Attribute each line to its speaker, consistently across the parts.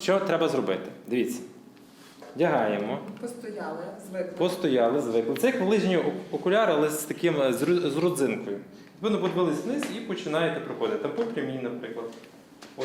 Speaker 1: Що треба зробити? Дивіться. Вдягаємо. Постояли, звикли. Це як лижні окуляри, але з таким, з родзинкою. Ви подивились вниз і починаєте проходити. Там по прямій, наприклад. Ось,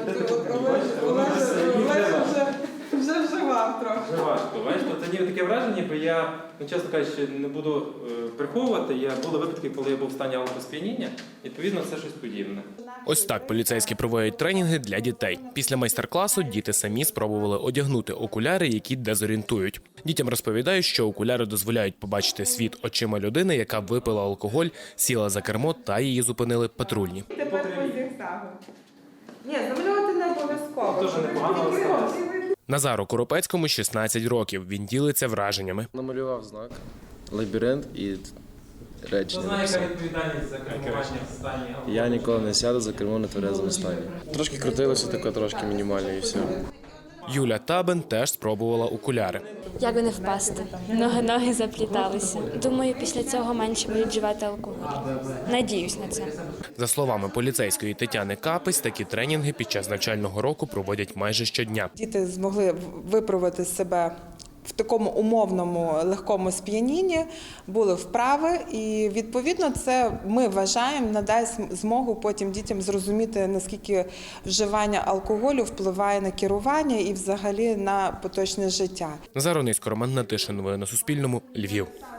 Speaker 2: Вже вживав трохи.
Speaker 1: Вже важко. Бачите, тоді таке враження, бо я, чесно кажучи, не буду приховувати. Були випадки, коли я був в стані алкосп'яніння, відповідно, це щось подібне.
Speaker 3: Ось так поліцейські проводять тренінги для дітей. Після майстер-класу діти самі спробували одягнути окуляри, які дезорієнтують. Дітям розповідають, що окуляри дозволяють побачити світ очима людини, яка випила алкоголь, сіла за кермо та її зупинили патрульні.
Speaker 2: Тепер по зігзагу. Ні, замалювати не обов'язково.
Speaker 1: Дуже непогано сталося.
Speaker 3: Назару Коропецькому 16 років. Він ділиться враженнями.
Speaker 4: Намалював знак, лабіринт і речення.
Speaker 1: Знає,
Speaker 4: написав.
Speaker 1: яка відповідальність за кермування в стані алкоголю.
Speaker 4: Я ніколи не сяду за кермо на тверезому стані. Трошки крутилося, таке трошки мінімально і все.
Speaker 3: Юля Табен теж спробувала окуляри.
Speaker 5: Як би не впасти? Ноги запліталися. Думаю, після цього менше будуть вживати алкоголь. Надіюсь на це.
Speaker 3: За словами поліцейської Тетяни Капець, такі тренінги під час навчального року проводять майже щодня.
Speaker 2: Діти змогли виправити себе в такому умовному легкому сп'янінні, були вправи, і відповідно це, ми вважаємо, надасть змогу потім дітям зрозуміти, наскільки вживання алкоголю впливає на керування і взагалі на поточне життя.
Speaker 3: Назар Онисько, Роман Гнатишин. Новини на Суспільному. Львів.